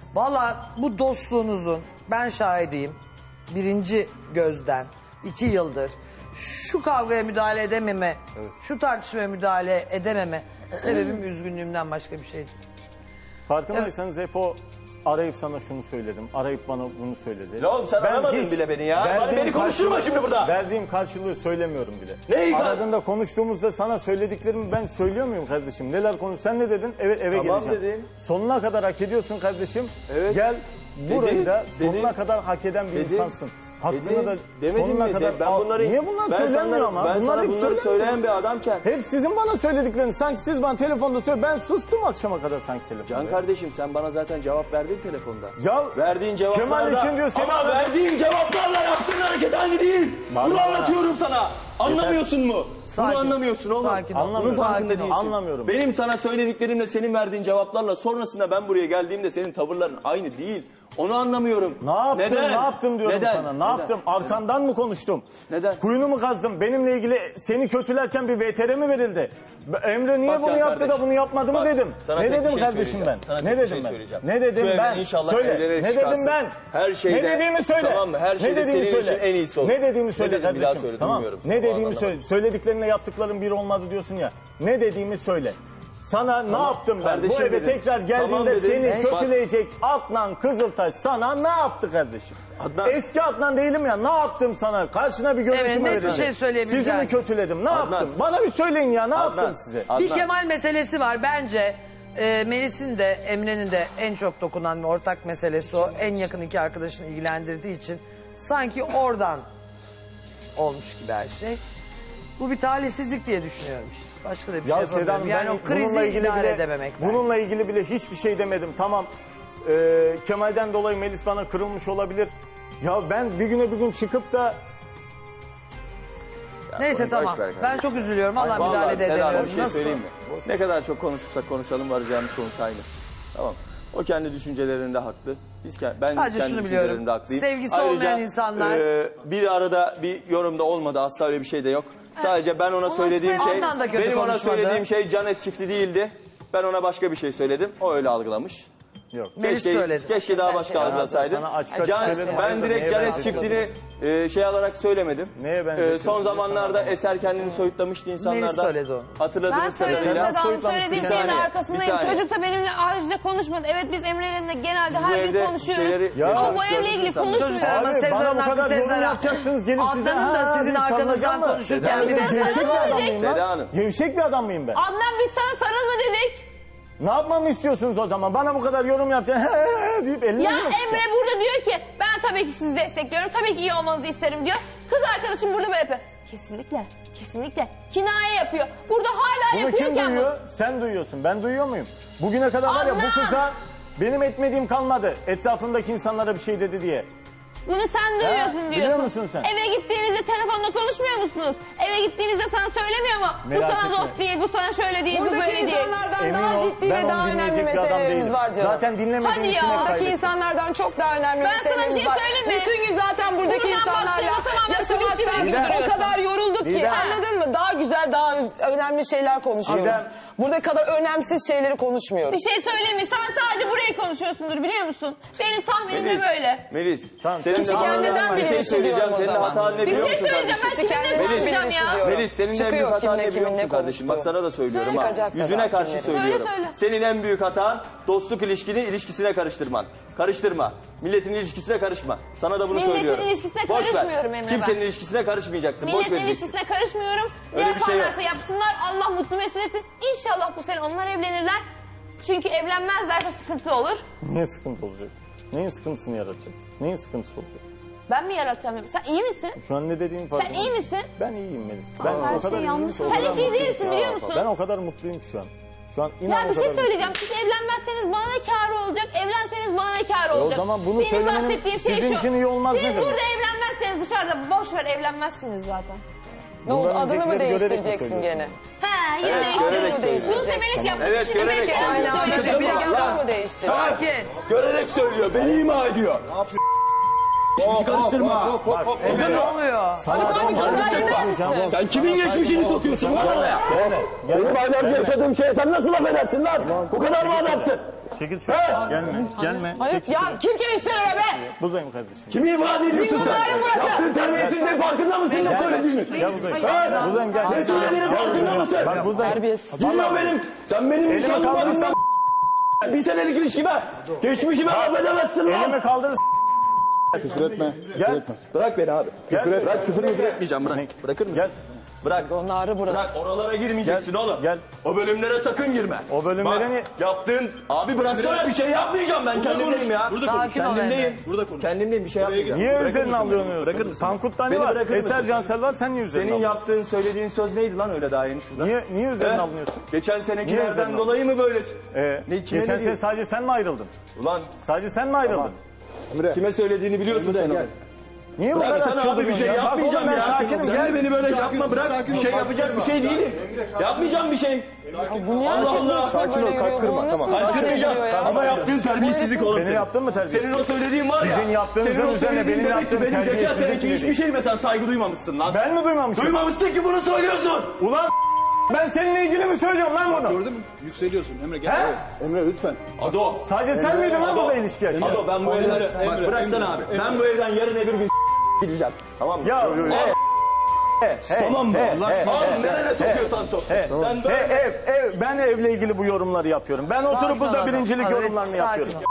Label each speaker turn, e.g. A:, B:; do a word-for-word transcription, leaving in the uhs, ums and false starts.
A: Valla bu dostluğunuzun ben şahidiyim. Birinci gözden iki yıldır şu kavgaya müdahale edememe, evet. şu tartışmaya müdahale edememe sebebim üzgünlüğümden başka bir şey değil.
B: Farkındaysanız evet. hep o arayıp sana şunu söyledim, arayıp bana bunu söyledi.
C: Ya oğlum sen ben aramadın bile beni ya. Bana beni konuşturma şimdi burada.
B: Verdiğim karşılığı söylemiyorum bile.
C: Neyi?
B: Aradığında konuştuğumuzda sana söylediklerimi ben söylüyor muyum kardeşim? Neler konuş? Sen ne dedin? Evet eve
C: tamam
B: geleceğim.
C: Dedin.
B: Sonuna kadar hak ediyorsun kardeşim. Evet. Gel burayı dedim, da sonuna dedim. kadar hak eden bir dedim. insansın. Hakkını dedim, da sonuna mi? kadar... Ben bunları,
C: Niye bunlar
B: ben
C: söylemiyor
B: sana,
C: ama?
B: Ben
C: bunlar sana bunları söyleyen bir adamken.
B: Hep sizin bana söyledikleriniz. Sanki siz bana telefonda söyle. Ben sustum akşama kadar sanki telefonda.
C: Can kardeşim sen bana zaten cevap verdin telefonda.
B: Ya
C: verdiğin cevaplarla...
B: Kemal için diyor seni...
C: Ama verdiğin cevaplarla yaptığın hareket aynı değil. Bana, Bunu bana. anlatıyorum sana. Anlamıyorsun mu?
A: Sakin. Bunu
C: anlamıyorsun oğlum.
A: Sakin.
C: Bunun farkında değilsin.
B: Anlamıyorum.
C: Benim sana söylediklerimle senin verdiğin cevaplarla sonrasında ben buraya geldiğimde senin tavırların aynı değil. Onu anlamıyorum.
B: Ne yaptım,
C: Neden?
B: ne yaptım diyorum
C: Neden?
B: sana. Ne
C: Neden?
B: yaptım? Arkandan mı konuştum?
C: Neden?
B: Kuyunu mu kazdım? Benimle ilgili seni kötülerken bir V T R mi verildi? Emre niye
C: Bak
B: bunu yaptı
C: kardeş,
B: da bunu yapmadı mı
C: bak,
B: dedim. Ne dedim
C: şey
B: kardeşim ben?
C: Sana
B: Ne dedim
C: şey
B: ben? Ne dedim ben? Söyle. Ne dedim ben?
C: Her şeyde.
B: Ne dediğimi söyle.
C: Tamam mı? Her şeyde
B: ne dediğimi
C: senin
B: söyle.
C: için en iyisi olur.
B: Ne dediğimi söyle
C: ne dedim,
B: kardeşim.
C: Bir daha söyle,
B: tamam. Ne dediğimi söyle. Söylediklerinle yaptıklarım bir olmadı diyorsun ya. Ne dediğimi söyle. Sana tamam, ne yaptım ben? Kardeşim Bu eve dedim. tekrar geldiğinde tamam seni evet. kötüleyecek Adnan Kızıltaş sana ne yaptı kardeşim? Adnan. Eski Adnan değilim ya, ne yaptım sana? Karşına bir görüntü
A: evet,
B: mü verildi?
A: Bir şey söyleyebileceğim.
B: Sizi mi kötüledim? Ne
C: Adnan.
B: yaptım? Bana bir söyleyin ya, ne
C: Adnan.
B: yaptım size?
A: Adnan. Bir Kemal meselesi var bence. E, Melis'in de Emre'nin de en çok dokunan ve ortak meselesi o. En yakın iki arkadaşını ilgilendirdiği için sanki oradan olmuş gibi her şey. Bu bir talihsizlik diye düşünüyorum işte. Başka da bir
B: ya
A: şey yapamıyorum. Yani o krizi idare
B: bile,
A: edememek.
B: Bununla belki. ilgili bile hiçbir şey demedim. Tamam e, Kemal'den dolayı Melis bana kırılmış olabilir. Ya ben bir güne bir gün çıkıp da...
A: Ya neyse tamam. Ben çok üzülüyorum. Valla müdahale de edemiyorum.
C: Bir şey Nasıl? söyleyeyim mi? Boş ne kadar çok konuşursak konuşalım varacağımız sonuç aynı. Tamam. O kendi düşüncelerinde haklı. Biz ben
A: Sadece
C: kendi
A: şunu
C: düşüncelerinde
A: biliyorum.
C: haklıyım.
A: Sevgisi
C: Ayrıca,
A: olmayan insanlar.
C: E, bir arada bir yorumda olmadı. Asla öyle bir şey de yok. Sadece ben ona söylediğim şey, benim ona söylediğim şey Canes çifti değildi. Ben ona başka bir şey söyledim. O öyle algılamış.
B: Yok.
C: Keşke, keşke daha başka algılasaydım. Ben direkt Canes çiftini e, şey alarak söylemedim.
B: Neye
C: e, son zamanlarda Eser kendini soyutlamıştı insanlardan. Hatırladığınız kadarıyla.
D: Ben söyledim söylediğim şeyin de arkasındayım. Çocuk da benimle ayrıca konuşmadı. Evet biz Emre'yle genelde her gün konuşuyoruz. Ama bu evle ilgili konuşmuyor.
A: Ama Sezar'ın hakkı Sezar'a. Adnan'ın da sizin arkanızdan konuşurken.
C: Seda Hanım.
B: Gevşek bir adam mıyım ben?
D: Adnan biz sana sarılma dedik.
B: Ne yapmamı istiyorsunuz o zaman? Bana bu kadar yorum yapacaksın. deyip elini
D: ya Emre burada diyor ki ben tabii ki sizi destekliyorum. Tabii ki iyi olmanızı isterim diyor. Kız arkadaşım burada böyle yapıyor. Kesinlikle. Kesinlikle. Kinaye yapıyor. Burada hala
B: Bunu
D: yapıyorken...
B: Bunu kim duyuyor? Bu... Sen duyuyorsun. Ben duyuyor muyum? Bugüne kadar var ya bu kıza benim etmediğim kalmadı. Etrafındaki insanlara bir şey dedi diye.
D: Bunu sen duyuyorsun diyorsun.
B: Biliyor musun sen?
D: Eve gittiğinizde telefonda konuşmuyor musunuz? Eve gittiğinizde sana söylemiyor mu?
B: Merak
D: bu sana
B: etme.
D: dost değil, bu sana şöyle değil,
E: Buradaki
D: bu böyle değil.
E: insanlardan
B: Emin
E: daha
B: ol,
E: ciddi ve daha önemli meselelerimiz var canım.
B: Zaten dinlemediğim
D: Hadi
B: için
D: ya.
B: hep
E: Buradaki
B: kaybettim.
E: insanlardan çok daha önemli
D: Ben sana bir
E: meselelerimiz
D: şey
E: var.
D: söyleyeyim mi?
E: Bütün gün zaten buradaki
D: Buradan
E: insanlarla
D: baktığında tamamen
E: yaşamaktan
D: gibi
E: o
D: duruyorsun.
E: kadar yorulduk ki.
D: Didem.
E: Anladın mı? Daha güzel, daha önemli şeyler konuşuyoruz.
B: Didem.
E: Burada kadar önemsiz şeyleri konuşmuyoruz.
D: Bir şey söyleyeyim mi? Sen sadece burayı konuşuyorsundur biliyor musun? Benim tahminim de böyle.
C: Melis.
B: Tamam.
C: Senin
E: Kişi kendinden
C: bir
E: bile
C: şey
E: hissediyorum
C: söyleyeceğim.
E: o
C: Senin
E: zaman.
C: hatan ne
D: Bir
C: biliyor
D: şey
C: musun
D: söyleyeceğim. Ben
C: kardeşim?
D: kiminle
E: Melis,
D: konuşacağım ya?
C: Melis senin en büyük
E: Çıkıyor
C: hatan
E: kimle
C: ne biliyor musun
E: kiminle
C: kardeşim? Bak
E: konuştuğu.
C: sana da söylüyorum
E: Söyle.
C: ha.
E: Çıkacak
C: Yüzüne
E: kadar
C: karşı
E: kimleri.
C: söylüyorum.
D: Söyle, söyle.
C: Senin en büyük hatan dostluk ilişkini ilişkisine karıştırman. Karıştırma. Milletin ilişkisine karışma. Sana da bunu
D: Milletin
C: söylüyorum.
D: ilişkisine
C: Boş ver.
D: karışmıyorum Emre ben.
C: Kimsenin ilişkisine karışmayacaksın. Boş
D: Milletin
C: vereceksin.
D: ilişkisine karışmıyorum.
C: Öyle bir şey yok.
D: Yaparlarsa yapsınlar. Allah mutlu mesut etsin. İnşallah bu sene onlar evlenirler. Çünkü evlenmezlerse sıkıntı olur.
B: Niye sıkıntı olacak? Neyin sıkıntısını yaratacağız? Neyin sıkıntısı olacak?
D: Ben mi yaratacağım? Sen iyi misin?
B: Şu an ne dediğin farkında.
D: Sen iyi misin?
B: Ben iyiyim Melis. Ben
D: her
B: o kadar
D: şey
B: iyiyim
D: yanlış.
B: ki, o
D: Sen
B: kadar
D: hiç iyi
B: mutluyum
D: değilsin
B: ki.
D: biliyor musun?
B: Ben o kadar mutluyum ki şu an. Şu an inan
D: Ya bir
B: o
D: şey
B: kadar
D: söyleyeceğim. Siz evlenmezseniz bana ne kârı olacak? Evlenseniz bana ne kârı
B: E o
D: olacak?
B: zaman bunu
D: Benim
B: söylemenin
D: bahsettiğim şey
B: sizin
D: şu.
B: için iyi olmaz
D: Siz
B: ne demek?
D: burada evlenmezseniz dışarıda boş ver evlenmezsiniz zaten.
E: Ne oldu?
B: Bundan
E: Adını mı
B: öncekileri görerek mi
E: değiştireceksin
B: söylüyorsun?
E: gene?
D: He yine
C: Evet,
D: değiştirin.
C: görerek söylüyorum.
D: Buse Melis yapmış.
C: Evet,
D: Şimdi
C: görerek
D: belki
C: söylüyorum.
D: onu
E: Aynı
D: söyleyecek.
E: anda bir
C: Lan.
E: adını mı değiştireceksin?
A: Sakin.
C: Görerek söylüyor. Beni ima ediyor. Geçmişi karıştırma.
A: Emre ne oluyor?
C: Sen kimin geçmişini sokuyorsun lan oraya?
F: Benim aylarca yaşadığım şeye sen nasıl laf edersin lan? Bu kadar mı adamsın?
B: Çekil şuraya. Gelme. Gelme.
E: Hayır
B: Çekil
E: ya
B: şuraya.
E: kim kimi istiyor be?
B: Buradayım kardeşim.
F: Kimi ifade ediyorsun sen? Yaptığın terbiyesizliğin farkında mısın ne söylediğini?
B: Gel buradayım. Buradayım gel.
F: Ne söylediğinin farkında mısın?
B: Bak buradayım.
E: Terbiyesiz.
F: Dinle benim. Sen benim
B: Elimi
F: nişanlım
B: kaldırırsan-
F: varsan bir senelik ilişkime geçmişime laf edemezsin lan.
B: Elimi kaldır.
G: Küfür etme. Küfür
B: Gel.
G: etme.
C: Bırak beni abi.
B: Gel.
C: Bırak küfür müfür etmeyeceğim bırak. Bırakır mısın?
B: Gel.
C: Bırak.
E: Onları burası.
C: Bırak oralara girmeyeceksin
B: Gel,
C: oğlum.
B: gel.
C: O bölümlere sakın girme.
B: O bölümlere
C: Bak,
B: ni-
C: yaptığın... Abi bıraksana bir şey yapmayacağım ben kendimdeyim ya.
G: Burada konuş.
A: Sakin ol
C: Kendimdeyim.
A: Emre.
G: Burada konuş.
C: Kendimdeyim bir şey yapmayacağım.
B: Niye
C: Bırakır
B: üzerine
C: mısın beni?
B: alıyorsun?
C: Bırakır mısın?
B: Tankut'tan ne
C: Beni
B: var?
C: bırakır mısın?
B: Eser Cansel var, sen niye üzerine
C: Senin
B: alıyorsun?
C: yaptığın söylediğin söz neydi lan öyle daha yeni şurada?
B: Niye, niye üzerine
C: He?
B: alınıyorsun?
C: Geçen
B: Niye
C: senekilerden
B: üzerine
C: dolayı mı böylesin?
B: Ee,
C: Ne, kime
B: geçen
C: ne
B: sene
C: diyorsun?
B: sadece sen mi ayrıldın?
C: Ulan
B: Sadece sen mi ayrıldın?
G: Emre.
C: kime söylediğini biliyorsun sen onu.
B: Niye bu kadar
C: Bıraksana abi bir
B: çıldırıyorsun
C: şey
B: ya? Bak
C: yapmayacağım
B: oğlum ben
C: ya.
B: sakinim.
C: Sen
B: Gel.
C: de beni böyle
G: Sakin
C: yapma
G: ol,
C: bırak.
G: sakin
C: Bir
G: ol.
C: şey
G: Bak,
C: yapacak bir
G: bak,
C: şey
G: bak.
C: değilim. Yapmayacağım bir şey.
E: Bu niye
C: Allah
E: herkes
C: Allah.
E: nasıl
G: Sakin ol,
E: böyle
G: kalk
E: yürüyor?
G: kırma,
E: Bu
G: tamam.
E: nasıl
C: Kalk
E: müsaade
C: kırmayacağım.
E: ediyor ya?
C: Ama yaptığın terbiyesizlik oğlum
B: Beni
C: senin.
B: yaptın mı terbiyesiz?
C: Senin o söylediğin var ya.
B: Sizin yaptığınızın
C: senin o
B: üzerine
C: söylediğin
B: benim
C: demek ki
B: yaptığım
C: benim geçen
B: terbiyesizlik
C: seneki
B: gibi
C: hiçbir
B: değil.
C: şeyime sen saygı duymamışsın lan.
B: Ben mi duymamışım?
C: Duymamışsın ki bunu söylüyorsun.
B: Ulan ben seninle ilgili mi söylüyorum lan bunu?
G: Gördün mü? Yükseliyorsun. Emre gel.
B: He?
G: Evet. Emre lütfen.
C: Ado.
B: Sadece sen miydin lan
C: Ado.
B: burada ilişki yaşayan?
C: Ado ben bu evden... Bak bıraksana abi. Ben bu evden yarın öbür gün gideceğim. Tamam mı?
B: Ya,
C: Yo, yo, yo.
B: he,
C: Tamam mı?
B: he,
C: Allah
B: he,
C: aşkına.
B: he,
C: Oğlum nereye sokuyorsan sok. Sen
B: He,
C: böyle...
B: ev, ev, ben evle ilgili bu yorumları yapıyorum. Ben oturup
A: Sakin ol
B: burada
A: adam.
B: birincilik
A: Evet,
B: yorumlarını
A: sakin
B: yapıyorum.
A: ol.